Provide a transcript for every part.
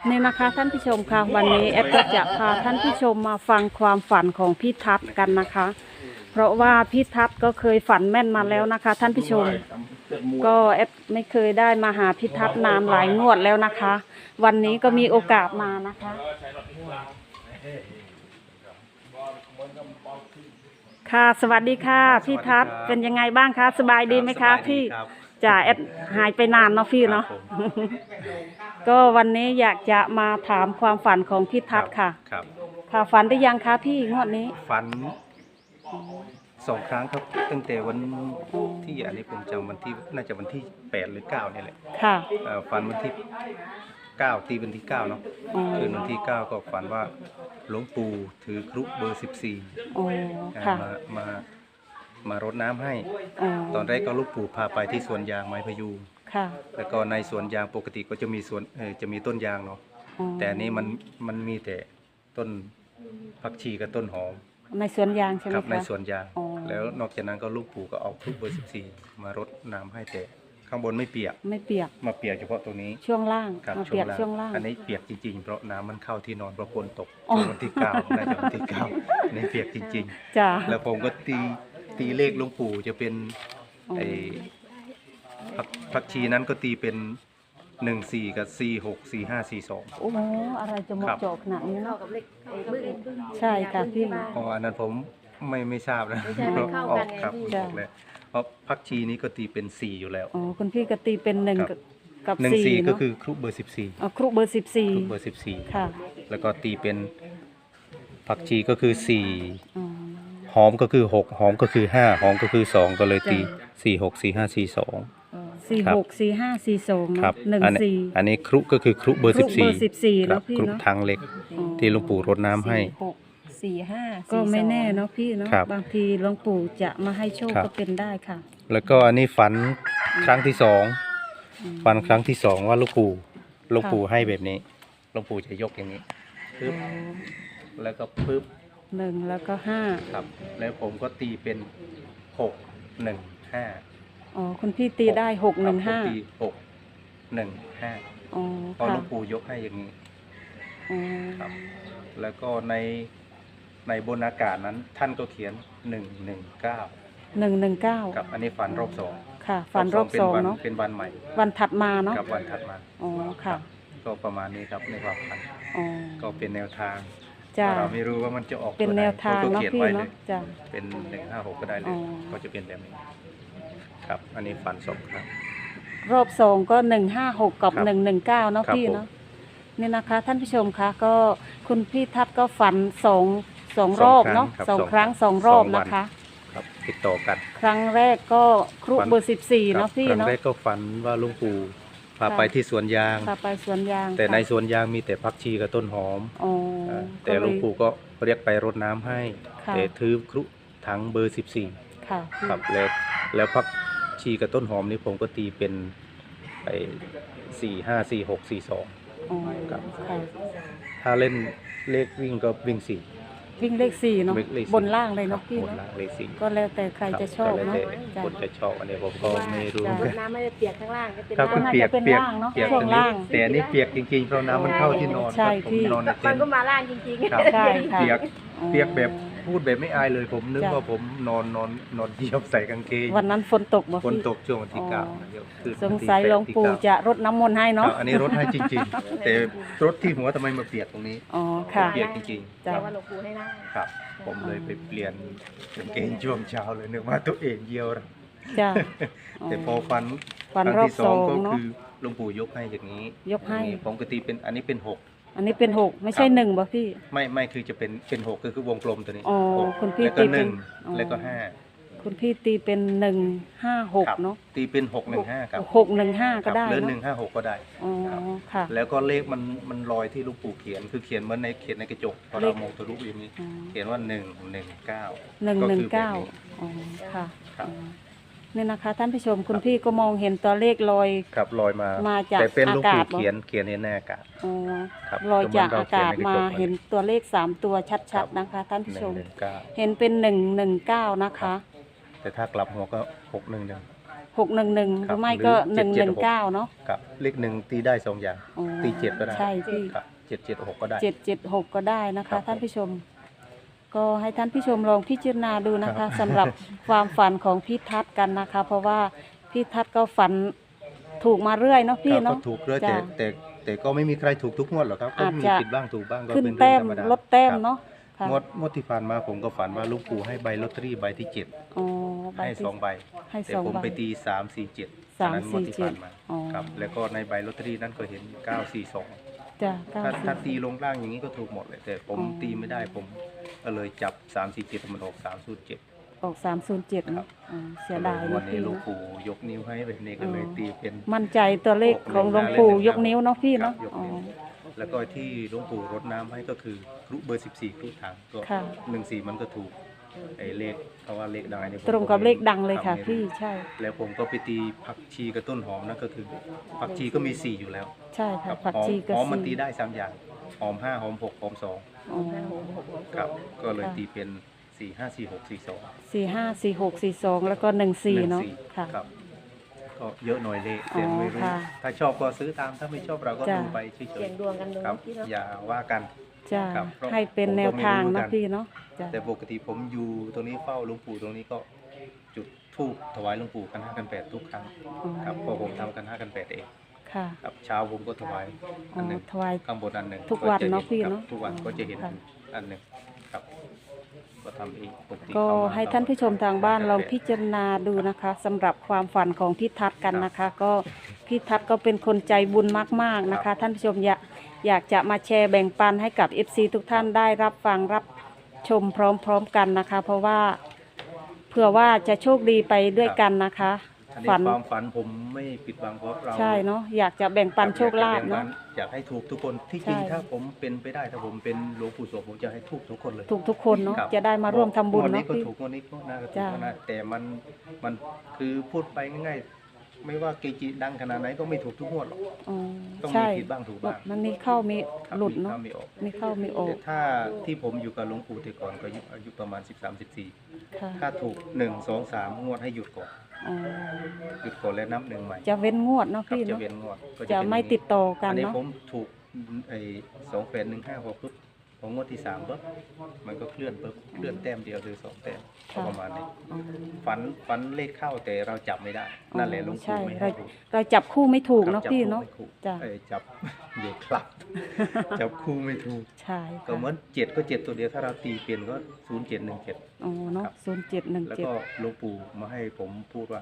นี่นะคะท่านผู้ชมค่ะวันนี้แอปก็จะพาท่านผู้ชมมาฟังความฝันของพี่ทัศน์กันนะคะ เพราะว่าพี่ทัศน์ก็เคยฝันแม่นมาแล้วนะคะ ท่านผู้ชมก็แอปไม่เคยได้มาหาพี่ทัศน์นานหลายงวดแล้วนะคะ วันนี้ก็มีโอกาสมานะคะค่ะสวัสดีค่ะพี่ทัศน์เป็นยังไงบ้างคะสบายดีไหมคะพี่จ่าแอดหายไปนานเนาะพี่เนาะ ก็วันนี้อยากจะมาถามความฝันของพี่ทัศน์ค่ะค่ะฝันได้ยังคะพี่งวดนี้ฝัน2 ครั้งครับตั้งแต่วันที่อันนี้ผมจำวันที่น่าจะวันที่8หรือ9นี่แหละค่ะฝันวันที่9ตีวันที่9เนาะคืนวันที่9ก็ฝันว่าหลวงปู่ถือครุเบอร์14 ค่ะมารดน้ำให้ตอนแรกก็หลวงปู่พาไปที่สวนยางไม้พยุงแล้วก็ในสวนยางปกติก็จะมีจะมีต้นยางเนาะแต่อันนี้มันมีแต่ต้นผักชีกับต้นหอมในสวนยางใช่ไหมคะครับในสวนยางแล้วนอกจากนั้นก็ลูกปู่ก็เอาครุเบอร์14มารดน้ำให้แต่ข้างบนไม่เปียกมาเปียกเฉพาะตรงนี้ช่วงล่างมาเปียกช่วงล่างอันนี้เปียกจริงๆเพราะน้ำมันเข้าที่นอนเพราะฝนตกวันที่9น่าจะวันที่9นี่เปียกจริงๆจ้ะแล้วผมก็ตีเลขหลวงปู่จะเป็นไอ้ผักชีนั้นก็ตีเป็น14กับ46 45 42 โอ้โหอะไรจะหมดจบขนาดนี้เนาะใช่ค่ะพี่อันนั้นผมไม่ทราบนะออกครับเลยเพราะผักชีนี้ก็ตีเป็น4อยู่แล้วคุณพี่ก็ตีเป็น1กับ 14ก็คือครุเบอร์14 ครุเบอร์ 14 ค่ะแล้วก็ตีเป็นผักชีก็คือ4หอมก็คือ6หอมก็คือ5หอมก็คือ2ก็เลยตี46 45 42 46 45 42 ครับอันนี้ครุก็คือครุเบอร์14 แล้วพี่ครุทางเล็กที่หลวงปู่รดน้ำให้ 45ก็ไม่แน่เนาะพี่เนาะบางทีหลวงปู่จะมาให้โชคก็เป็นได้ค่ะแล้วก็อันนี้ฝันครั้งที่2ฝันครั้งที่2ว่าหลวงปู่ให้แบบนี้หลวงปู่จะยกอย่างนี้ปึ๊บแล้วก็ปึ๊บ 1แล้วก็5 ครับแล้วผมก็ตีเป็น6 1 5 คุณพี่ตีได้6 1 5 ตี6 1 5พอหลวงปู่ยกให้อย่างนี้ครับแล้วก็ในบนอากาศนั้นท่านก็เขียน119ครับอันนี้ฝันรอบ2 ค่ะฝันรอบ2เนาะเป็นวันใหม่วันถัดมาเนาะครับวันถัดมาค่ะก็ประมาณนี้ครับในความฝันก็เป็นแนวทางเราไม่รู้ว่ามันจะออกเป็นแนวทางเนาะพี่เนาะจ้ะเป็น156ก็ได้เลยก็จะเป็นแบบนี้ครับอันนี้ฝัน2 ครั้งรอบ2ก็156กับ119เนาะพี่เนาะนี่นะคะท่านผู้ชมคะก็คุณพี่ทัศน์ก็ฝัน2รอบเนาะ2 ครั้ง2 รอบนะคะครับติดต่อกันครั้งแรกก็ครุเบอร์14เนาะพี่เนาะครั้งแรกก็ฝันว่าหลวงปู่พาไปที่สวนยางแต่ในสวนยางมีแต่ผักชีกับต้นหอมแต่หลวงปู่ก็เรียกไปรดน้ำให้แต่ถือครุถังเบอร์14ครับแล้วผักชีกับต้นหอมนี่ผมก็ตีเป็นไป4 5 4 6 4 2ครับถ้าเล่นเลขวิ่งก็วิ่งเลข4เนาะบนล่างเลยเนาะพี่เนาะก็แล้วแต่ใครจะชอบเนาะคนจะชอบอันนี้ผมก็ไม่รู้น้ำไม่ได้เปียกข้างล่างก็เป็นน้ำเปียกเนาะช่วงล่างแต่อันนี้เปียกจริงๆเพราะน้ำมันเข้าที่นอนผมนอนในเต็นท์มันก็มาล่างจริงๆใช่เปียกแบบพูดแบบไม่อายเลยผมนึกว่าผมนอนเหยียบใส่กางเกงวันนั้นฝนตกบ่ฝนตกช่วงวันที่9 สงสัยหลวงปู่จะรดน้ำมนต์ให้เนาะอันนี้รดให้จริงๆแต่รดที่หัวทำไมมาเปียกตรงนี้ค่ะเปียกจริงๆแต่ว่าหลวงปู่ให้นั่งครับผมเลยไปเปลี่ยนกางเกงช่วงเช้าเลยนึกว่าตัวเองเยี่ยวจ้ะแต่พอฝันครั้งที่2ก็คือหลวงปู่ยกให้อย่างนี้ปกติเป็นอันนี้เป็น6 อันนี้เป็น6ไม่ใช่1บ่พี่ไม่คือจะเป็น6ก็คือวงกลมตัวนี้คุณพี่ตีเป็นแล้วก็ 5คุณพี่ตีเป็น156เนาะตีเป็น615ครับ 615ก็ได้หรือ156ก็ได้ค่ะแล้วก็เลขมันลอยที่หลวงปู่เขียนคือเขียนเหมือนในกระจกพอเรามองทะลุอย่างนี้เขียนว่า 119ค่ะนี่นะคะท่านผู้ชมคุณพี่ก็มองเห็นตัวเลขลอยมาจากอากาศเขียนในอากาศลอยจากอากาศมาเห็นตัวเลข3ตัวชัดๆนะคะท่านผู้ชมเห็นเป็น119นะคะแต่ถ้ากลับหัวก็611 611หรือไม่ก็119เนาะครับเลขหนึ่งตีได้2อย่างอ๋อตี7ก็ได้ใช่พี่ครับ776ก็ได้ 776ก็ได้นะครัคะบท่านผู้ชม ก็ให้ท่านผู้ชมลองพิจารณาดูนะคะสำหรับความฝันของพี่ทัศน์กันนะคะ เพราะว่าพี่ทัศน์ก็ฝันถูกมาเรื่อยเนาะพี่ครับเนาะก็ถูกเรื่อยจ้ะแต่ก็ไม่มีใครถูกทุกงวดหรอกครับก็อาจมีจะผิดบ้างถูกบ้างก็ขึ้นเป็นเรื่แต้องมธรรมดาลดแต้มครับเนาะค่ะงวดที่ผ่านมาผมก็ฝันว่าหลุงปู่ให้ใบลอตเตอรี่ใบที่อ๋อ 7 ใบให้ที่ 2 ใบให้แต่สองผมใบไปตี3 4 7 3 นั้นงวดที่ผ่านมาอ๋อครับแล้วก็ในใบลอตเตอรี่นั้นก็เห็น942 จ้ะถ้าตีลงล่างอย่างนี้ก็ถูกหมดเลยแต่ผมอ๋อตีไม่ได้ผมก็เลยจับ3 4 7มันออก307 ออก307เนาะอ๋อเสียดายวัเนาะนนี้พี่หลุงเนาะปู่ยกนิ้วให้แบบนี้ก็เลยตีเป็นมั่นใจตัวเลขของหลวงปู่ยกนิ้วเนาะพี่ครัเนาะบยกอ๋อนิ้วแล้วก็ที่หลวงปู่รดน้ำให้ก็คือครุเบอร์14ครุถังก็ค่ะ 14มันก็ถูกไอ้เลขเพราะว่าเลขดังเนี่ยผมตรงกับเลขดังเลยค่ะทำไม่พี่รู้ใช่แล้วผมก็ไปตีผักชีกับต้นหอมนั่นก็คือผักชีก็มี4อยู่แล้วใช่ค่ะครับผักชีกระหอมมันตีสีได้3อย่างหอม5หอม6หอมอ๋อ 2ครับก็เลยตีเป็น4 5 4 6 4 2 454642แล้วก็14เนาะค่ะครับก็เยอะหน่อยเลขอ๋อแต่ไม่รู้ค่ะถ้าชอบก็ซื้อตามถ้าไม่ชอบเราก็จ้ะดูไปเฉเสี่ยยงดวงกันดูๆครับพี่เนาะอย่าว่ากันจ้าครับเพราะให้เป็นแนวทางผมก็เนาะไม่รู้กันพี่เนาะจ้าแต่ปกติผมอยู่ตรงนี้เฝ้าหลวงปู่ตรงนี้ก็จุดธูปถวายหลวงปู่กัน5กัน8ทุกครั้งครับเพราะผมทำกัน5กัน8เองค่ะครับเช้าผมก็ถวายอ๋อัอนหนึ่งถวายข้างบนอันหนึ่งทุกวันจะห็เนาะพี่ครับเนาะทุกวันอ๋อก็จะเห็นค่ะอันหนึ่งครับก็ทำเองปกติก็เข้มให้ท่านผู้ชมทางบ้านลองพิจารณาดูนะคะสำหรับความฝันของพี่ทัศน์กันนะคะ ก็พี่ทัศน์ก็เป็นคนใจบุญมากๆนะคะ ท่านผู้ชมอยากจะมาแชร์แบ่งปันให้กับ FC ทุกท่านได้รับฟังรับชมพร้อมๆกันนะคะ เพราะว่าเผื่อว่าจะโชคดีไปด้วยกันนะคะอันนี้ฝันความฝันผมไม่ปิดบังเพราะเราใช่เนาะอยากจะแบ่งปันโชคลาภเนาะอยากให้ถูกทุกคนที่จริงใช่ถ้าผมเป็นไปได้ถ้าผมเป็นหลวงปู่โสมผมจะให้ถูกทุกคนเลยถูกทุกคนเนาะครับจะได้มาร่วมทำบุญวันเนาะนี้ก็พี่ถูกวันนี้ก็น่าจะถูจ้ะกนะแต่มันคือพูดไปง่ายๆ ไม่ว่าเกจิดังขนาดไหนก็ไม่ถูกทุกงวดหรอกอ๋อต้องมีใช่ผิดบ้างถูกบ้างมันมีเข้ามีครับหลุดเนาะมีข้มีออกมีเข้ามีออแต่กถ้าที่ผมอยู่กับหลวงปู่แต่ก่อนก็อายุประมาณ13-14 ค่ะถ้าถูก1 2 3งวดให้หยุดก่อนอ๋อหยุดก่อนแล้วนับหนึ่งใหม่จะเว้นงวดเนาะครับพี่จะเนาะเวียนงวดก็จะเป็นไม่อย่างติดต่อกันอันนี้เนาะผมถูกไอ้28156ปุ๊บพองวดที่3ปุ๊บมันก็เคลื่อนปุ๊บเคลื่อนแต้มเดียวหรือ2แต้มก็ประมาณนี้อ๋อฝันเลขเข้าแต่เราจับไม่ได้ นั่นแหละหลวงใช่ปู่ไม่เราให้ถูกเราจับคู่ไม่ถูกเนาะจับพี่คู่เนาะไม่ถูกจ้ะจับ อยู่ครับ จับคู่ไม่ถูกใช่ก็ค่ะเหมือน7ก็7ตัวเดียวถ้าเราตีเปลี่ยนก็0717 อ๋อเนาะครับ 0717 แล้วก็หลวงปู่มาให้ผมพูดว่า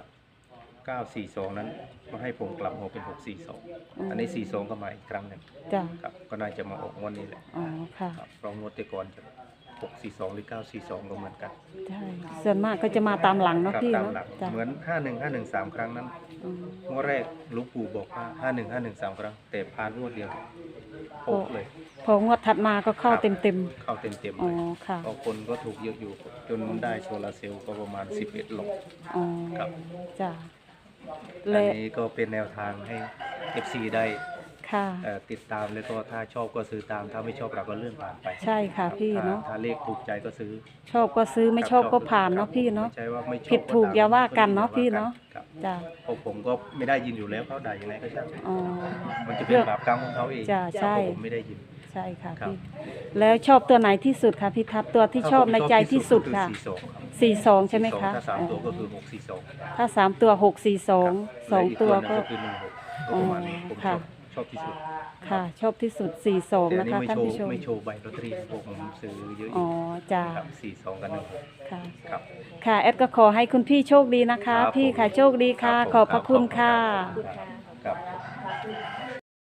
942นั้นมาให้ผมกลับหัวเป็น642อันนี้42ก็มาอีกครั้งหนึ่งจ้ะครับก็น่าจะมาออกงวดนี้แหละอ๋อค่ะครับเพราะงวดแต่ก่อนจะ642หรือ942ก็เหมือนกันใช่ส่วนมากก็จะมาตามหลังเนาะครับพี่ตามเนาะหลังจ้ะเหมือน51513ครั้งนั้นอืมงวดแรกหลวงปู่บอกว่า51513ครั้งแต่ผ่านงวดเดียวโป๊ะเลยพองวดถัดมาก็เข้าครับเต็มเข้าเต็มๆๆอ๋เลอย ค่ะบางคนก็ถูกเยอะอยู่ จนได้โซลาร์เซลล์ก็ประมาณ11หลอกอ๋อครับจ้ะอัและนนี้ก็เป็นแนวทางให้ FC ได้ค่ะติดตามแล้วก็ถ้าชอบก็ซื้อตามถ้าไม่ชอบเราก็เลื่อนผ่านไปใช่ค่ะพี่เนาะถ้าเลขถูกใจก็ซื้อชอบก็ซื้อไม่ชอบก็ผ่านครัเนาะบพี่เนาะไม่ใช่ว่าไม่ชอบผิดถูกตมอย่าว่ากันเนาะอย่พี่ว่เนาะครับจ้ะเพราะผมก็ไม่ได้ยินอยู่แล้วเขาด่ายังไงก็ช่างอ๋อมันจะเป็นบาปกรรมของเขาเองจ้ะใช่เพราะผมไม่ได้ยินใช่ค่ะครับพี่แล้วชอบตัวไหนที่สุดคะพี่ทัศน์ตัวที่ชอบในใจที่สุดค่ะ 42 ใช่ไหมคะถ้า3ตัวก็คือ642 ถ้า3ตัว642 2ตัวก็คือ16ก็ประมาณนี้ผมค่ะชอบที่สุดค่ะ ชอบที่สุดแต่ 42 อันะนนี้คะไม่ท่านโชว์ผู้ชมไม่โชว์ใบลอตเตอรี่พวกผมซื้อเยอะออ๋อยู่ จ้าครับ42กับ16 ค่ะครับค่ะแอดก็ขอให้คุณพี่โชคดีนะคะครับพี่ค่ะโชคดีค่ะผมขอบพระคุณค่ะขอบคุณค่ะครับ